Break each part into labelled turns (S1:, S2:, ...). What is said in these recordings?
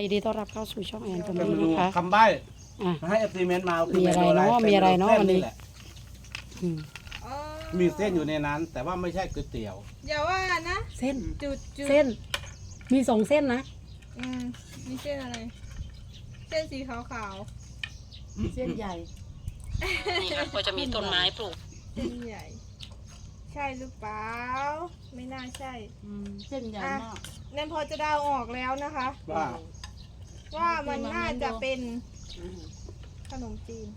S1: ดีต้อนรับเข้าสู่ช่องแอนตรง
S2: เป็น
S1: นี้
S2: เมนู
S1: นะคะ
S2: คำใบ้
S1: อ่ะ
S2: ให้เอฟซีเมนต์มาคื
S1: มีอะไร
S2: เม
S1: เนาะ
S2: ป็
S1: มีอะไรเนาะ
S2: ส้
S1: วันนี้
S2: แหละ
S1: อืม
S3: อ๋อ
S2: มีเส้นอยู่ในนั้น แต่ว่าไม่ใช่ก๋วยเตี๋ยว
S3: อย่าว่านะ
S1: เส้น
S3: จุด
S1: เส้น มีสองเส้นนะ
S3: มีเส้นอะไร เส้นสีขาว
S4: เส้นใหญ่
S1: นี่ค่ะก็จะมีต้นไม้ปลูก
S3: ๆ เส้นใหญ่ ใช่หรือเปล่า ไม่น่าใช่
S4: เส้นใหญ่มาก
S3: นั่นพอจะเดาออกแล้วนะคะ
S2: ว่า
S3: ว่ามันน่าจะเป็นขนมจีน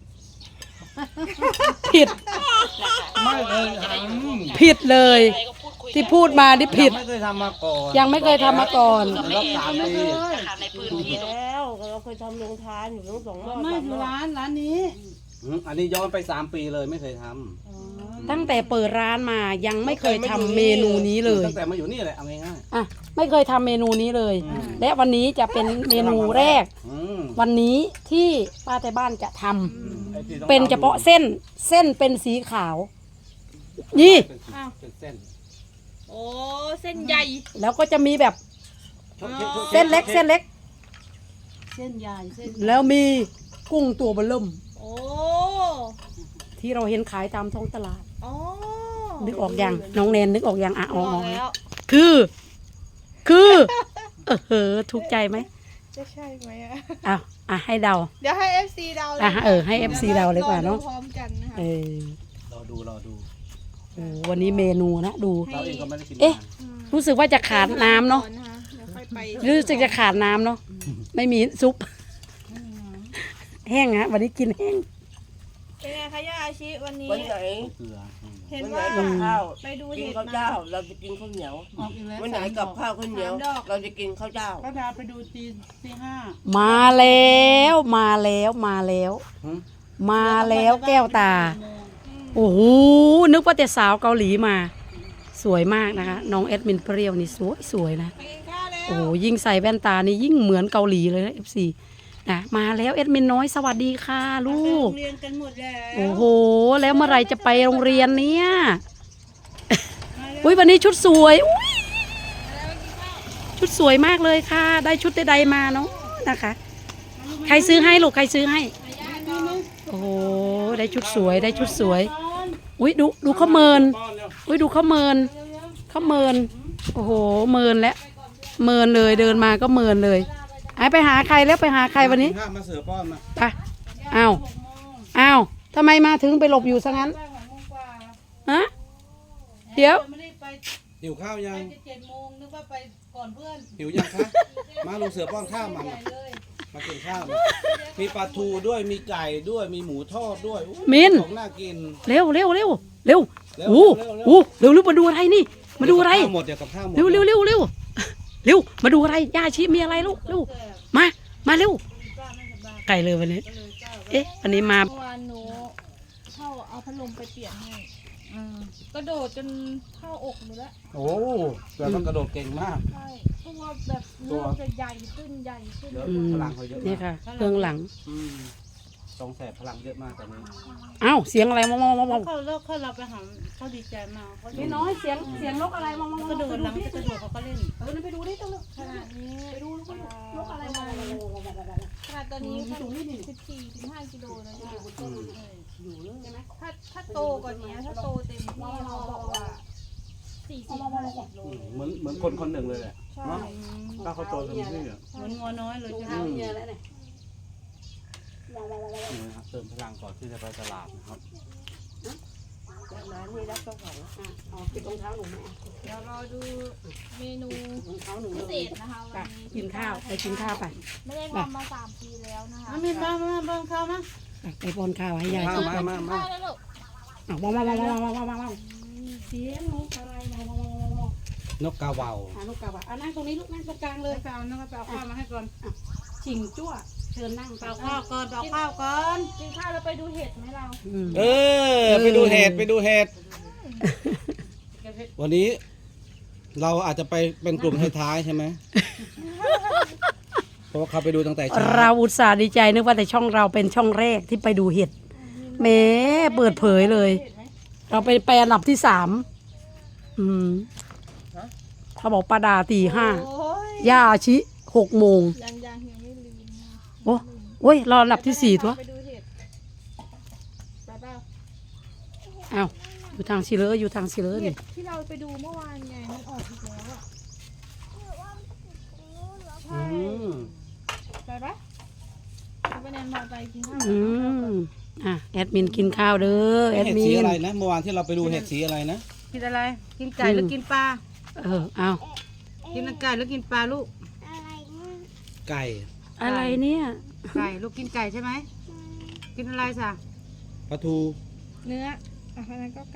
S1: ผิด
S2: ไม่เลย
S1: ผิดเลย ที่พูดมานี่ผิด
S2: ไม่เคยทำมาก่อน
S1: ยังไม่เคยทำมาก่อน
S2: รอบ3 ปี
S4: แล้วเราเคยทำโรงทานอยู่ทั้งสองรอบ
S5: ไม่อยู่ร้านนี้
S2: อันนี้ย้อนไป3 ปีเลยไม่เคยท
S1: ตั้งแต่เปิดร้านมายัง
S2: ำ
S1: ไม่เคยทำเมนูนี้เลย
S2: ตั้งแต่มาอยู่นี่แหละเอาง่าย
S1: อ่ะไม่เคยทำเมนูนี้เลย และวันนี้จะเป็นเมนูแรก
S2: ๆ
S1: วันนี้ที่ป้าแต่บ้านจะทำ
S2: ไอ้ที่ต้อง
S1: เป็นเฉพาะเส้นเป็นสีขาว นี่
S2: เป็นเส้น
S3: โอ้ เส้นใหญ่
S1: แล้วก็จะมีแบบ
S2: ช็อต
S1: เส้นเล็ก
S4: เส้นใหญ่เส้น
S1: แล้วมีกุ้งตัวเบลเริ่ม
S3: โอ้
S1: ที่เราเห็นขายตามท้องตลาด
S3: อ๋อ
S1: นึกออกยังน้องแนนนึกออกยังอ่ะอ๋อ
S3: บอกแล้ว
S1: คือถูกใจไหม
S3: จะใช่ไหมอะ
S1: อ้าวอ่ะให้เดา
S3: เดี๋ยวให้ FC เดาเลย
S1: อ่ะให้ FC เดาเลยกว่าเนอะ
S3: รอดูพร้อมกันนะคะ
S1: เออ
S2: รอดู
S1: โอ้วันนี้เมนูนะดู
S2: เราเองก็ไม่ได้กิน
S1: เอ๊ะ
S2: นาน
S1: รู้สึกว่าจะขาดน้ำเนาะ
S3: ก่อคเดี๋ยวค่อยไป
S1: รู้สึกจะขาดน้ำเนาะไม่มีซุป แห้งฮะวันนี้กินแห้ง
S3: เป็นไงคะย่าอาชิวันนี้
S4: วันไหน
S2: เกลือ
S3: เห็น
S4: วันไหน
S3: ว่า
S4: กับข้าว
S3: ไปดู
S4: กิน
S3: เห็ด
S4: ข้าว
S3: มา
S4: เจ้า เราจะกินข้าวเหนียว
S5: ออกอีกแล้ว
S4: วันไหนกับข้าวข้าวเหนียว เราจะกินข้าวเจ้า
S5: ป้าดาไปดูตีห้า
S1: มาแล้วแก้วตา โอ้โหนึกว่าแต่สาวเกาหลีมา สวยมากนะคะน้องแอดมินเปรี้ยวนี่สวยนะ
S3: ไปกินข้าวแล้ว
S1: โอ้โหยิ่งใส่แว่นตานี่ยิ่งเหมือนเกาหลีเลยนะ FC นะมาแล้วแอดมินน้อยสวัสดีค่ะลูก
S5: เรียนกันหมดแล้ว
S1: โอ้โหแล้วเมื่อไหรจะไปโรงเรียนเนี่ยอุ้ยวันนี้ชุดสวยอุ๊ยชุดสวยมากเลยค่ะ ได้ชุดใดๆมาเนาะนะคะ ใครซื้อให้ลูกใครซื้อให้ โอ้โหได้ชุดสวยอุ้ยดูเขาเมินอุ้ยดูเขาเมินโอ้โหเมินแล้วเมินเลยเดินมาก็เมินเลยไปหาใครแล้วไปหาใครวันนี้
S2: ข้ามาเสือป้อนมา
S1: ไปอ้าวทำไมมาถึงไปหลบอยู่ซะงั้นฮะเดี๋ยว
S5: ไม่ได้ไป
S2: หิวข้าวยัง
S5: 7 โมงนึกว่าไปก่อนเพื่อน
S2: หิวยังคะ มาลุงเสือป้อนข้าวมามากินข้าวมามีปลาทูด้วยมีไก่ด้วยมีหมูทอดด้วยอู้
S1: มิน
S2: ของน่ากิน
S1: เร็วอู้เร็วมาดูอะไรนี่มาดูอะไร
S2: กับข้าวหมดเดี๋ยวกับข้าวหมด
S1: เร็วมาดูอะไรย่าชีมีอะไรลูกเร็วมาเร็วไก่เลยวันนี้ เอ๊ะวันนี้มา
S3: เมื่อวานหนูเข้าเอาพัดลมไปเปลี่ยนให้กระโดดจนเข้าอกหนูแล้ว
S2: โอ้เสือต้องกระโดดเก่งมาก
S3: ใช่เพราะว่าแบบเนื้อจะใหญ่ขึ้น
S2: เยอะ
S1: อืม
S2: พลังเขาเยอะ
S1: นี่
S2: มาก
S1: ค่ะเครื่องหลัง
S2: สองแสบพลังเยอะมากตอนนี้
S1: อ้าวเสียงอะไรมอง
S5: เขาเลิกเราไปหาเขาดีใจมากเขา
S1: พี่น้อยเสียงนกอะไรมอง
S5: กระโดดหลังจะกระโดดเขาก็เล่น
S1: นั่นไปดูดิตัว
S3: ขนาดนี้
S1: ไปดูนกอะไรมอง
S3: ขนาดตอนนี้14-15 กิโลเลยค่ะถ้าโตกว่านี้ถ้าโตเต็มที่เขาบอกว่า40-50 โล
S2: เหมือนคนหนึ่งเลยแหละ
S3: ใช่
S2: เนาะถ้าเขาโตเต็มที่อ่ะ
S5: เหมือนงัวน้อยเลยใช่ไหม
S1: เยอะแล้วเนี่ย
S2: นี่นะครับเติมพลังก่อนที่จะไปตลาดนะครับ
S4: ร้านนี้รับเจ้าของ
S1: อ๋อปิดรองเท้าหนูไหม
S3: เดี๋ยวรอดูเมนู
S1: รองเท้าหนู
S3: พิ
S1: เล
S3: เศ
S1: ย
S3: ษนะคะ
S1: ไป
S3: วันนี้
S1: กินข้าวไปกินข้าวไป
S3: ไม่ได้ทำมา3 ปีแล้วนะคะ
S5: มีบ้างเขามา
S1: ไปป้อนข้าวให้ยาย
S2: มา
S1: กิน
S2: มามามา
S3: ข้าวแล้วลูก
S1: ว้าวเสียงนกอะไรว้าวน
S2: กกาเหว่าน
S1: กกาบะนั่งตรงนี้ลูกนั่งตรงกลางเล
S5: เลย ยไปเอาน้องไปเอาข้าวมาให้ก่อน
S1: ชิงจั่วเชิญนั่ง
S5: เอาข้าวก่อนเอาข้าวก่อน
S3: กินข้าวแล้วไปดูเห็ดไหมเรา
S2: เออไปดูเห็ดวันนี้ เราอาจจะไปเป็นกลุ่มท้ายๆใช่ไหมเพราะว่าเขาไปดูตั้งแต่เช้า
S1: เราอุตส่าห์ดีใจนึกว่าแต่ช่องเราเป็นช่องแรกที่ไปดูเห็ดแหมเปิดเผยเลย เราไปอันดับที่3เขาบอกปาดาตี
S3: โอ้ย
S1: 5ย่าอาชิ6 โมง
S3: ยังไม่
S1: โอ้ยรออันดับที่4ตัว
S3: ไปดูเห็ดไปเปล่า
S1: อ้าวอยู่ทางสิเลออยู่ทางสิเลอ
S3: เห็
S1: นี่
S3: ดที่เราไปดูเมื่อวานไงมันออกอีกแล้วอ่ะ
S2: อืม
S3: ไปปะไปแนนพาไปกินข้าว
S1: อืมแอดมินกินข้าวเด้อแอด
S2: เห็ด
S1: มิ
S2: สี
S1: น
S2: อะไรนะเมื่อวานที่เราไปดูเห็ดสีอะไรนะ
S5: กินอะไร กินไก่หรือกินปลา
S1: เอา
S5: กินไก่หรือกินปลาลูก
S2: ไก่
S1: อะไรเนี่ย
S5: ไก่ลูกกินไก่ใช่ไหมกินอะไรสะ
S2: ปลาทู
S3: เนื้ออ่ะเพราะนั้นก็ไก่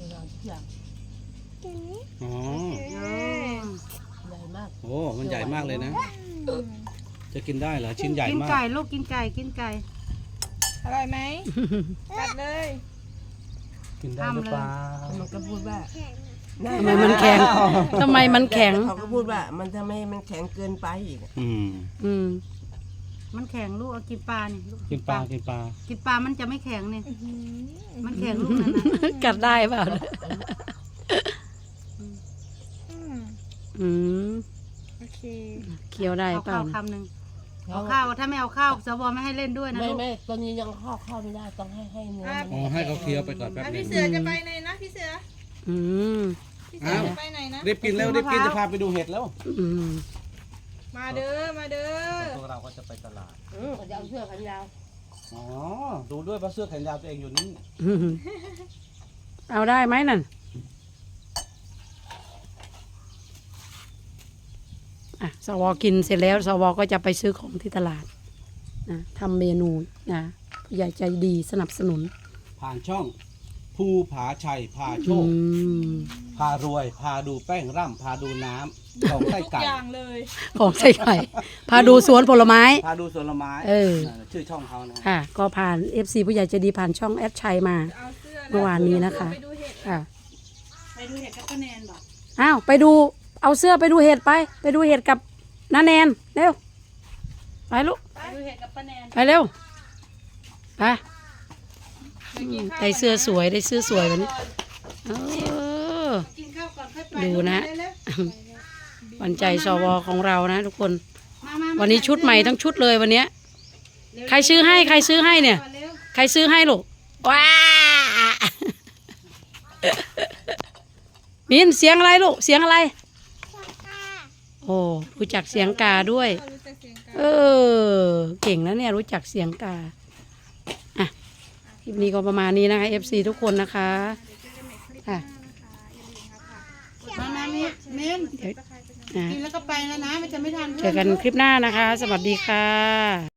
S2: อ๋อ
S3: เอ้ย
S4: ใหญ่มาก
S2: โอ้มันใหญ่มากเลยนะ จะกินได้เหรอชิ้นใหญ่
S5: กิน
S2: มาก
S5: ไก่ลูกกินไก่กินไก่
S3: อร่อยไหมกัดเลย
S2: กินได้หรือเปล่า
S4: มันก็พูดว่า
S1: ทำไมมันแข็งทำไมมันแข็ง
S4: เขาก็พูดว่ามันทำไมมันแข็งเกินไปอีก
S2: อืม
S1: อืม
S5: มันแข็งลูกเอากินปลานี่ลูก
S2: กินปลากินปลา
S5: กินปลามันจะไม่แข็งเนี่ย
S3: อื้อหือ
S5: มันแข็งลูกนั่นนะ
S1: กัดได้เปล่า
S3: อืม
S1: อืม
S3: โอเค
S1: เคี้ยวได้
S5: เอา
S1: เปล่า
S5: ข้าวคำหนึ่งเอาข้าวถ้าไม่เอาข้าวสวไม่ให้เล่นด้วยนะ
S4: ไม่
S5: ลูก
S4: ไม่ตอนนี้ยังเข้าไม่ได้ต้องให้เนื้อมัน
S2: อ๋อให้เขาเคี้ยวไปก่อนแป๊บนึ
S3: พี่
S2: ง
S3: เสือจะไปไหนนะพี่เสือ
S1: อืม
S3: พี่เสือจะไปไหนนะ
S2: รีบกินแล้วรีบกินจะพาไปดูเห็ดแล้ว
S1: อืม
S3: มาเด้อมาเด้อ
S2: พวกเราก็จะไปตลาด
S4: เขาจะเอาเสื้อแขนยาว
S2: อ๋อดูด้วยว่าเสื้อแขนยาวตัวเองอยู่นี่
S1: อืมเอาได้ไหมนั่นสวกินเสร็จแล้วสวก็จะไปซื้อของที่ตลาดนะทำเมนูนะผู้ใหญ่ใจดีสนับสนุน
S2: ผ่านช่องภูผาชัยพาโช
S1: อื
S2: ค
S1: ม
S2: พารวย พาดูแป้งร่ำพาดูน้ำของไส้
S3: ทุก
S2: ไก่
S3: อย่างเลย
S1: ของใส่ไข่พาดูสวนผลไม้
S2: พาดูสวนไม้
S1: เออ
S2: ชื่อช่องเขานะ
S1: ค่ะ ก็ผ่าน FC ผู้ใหญ่ใจดีผ่านช่องแอดชัยมา
S3: เอาเสื้อ
S1: เมื่อวานนี้นะคะ
S3: ไปดูเห็ด
S1: ค่ะ
S5: ไปดูเห็ดกับป้าแนนบอก
S1: อ้าวไปดูเอาเสื้อไปดูเห็ดไปดูเห็ดกับน้าแนนเร็วไปลูก
S5: ไปดูเห็ดกับป้าแนน
S1: ไปเร็วไป
S3: ไปกินข้าว
S1: ได้เสื้อสวยได้เสื้อสวยวันนี้เออ
S5: กินข้าวก่อนค่อยไป
S1: ดูนะ
S5: เร็ว
S1: วันใจสวของเรานะทุกคน
S5: ๆมาๆๆ
S1: วันนี้ชุดใหม่ทั้งชุดเลยวันเนี้ย
S5: เร็วๆ
S1: ใครซื้อให้ใครซื้อให้เนี่ย
S5: เร็ว
S1: ใครซื้อให้ลูกว้ามินเสียงอะไรลูกเสียงอะไรโอ้รู้จักเสียงกาด้วย
S3: รู้จักเสียงกัน
S1: เออเก่งนะเนี่ยรู้จักเสียงกาอ่ะคลิปนี้ก็ประมาณนี้นะคะ FC ทุกคนนะคะค่ะ
S5: มาๆมิ้นมิ้น
S1: เดี๋ยวนะ
S5: กินแล้วก็ไปแล้วนะมันจะไม่ทัน
S1: เจอกันคลิปหน้านะคะ สวัสดีค่ะ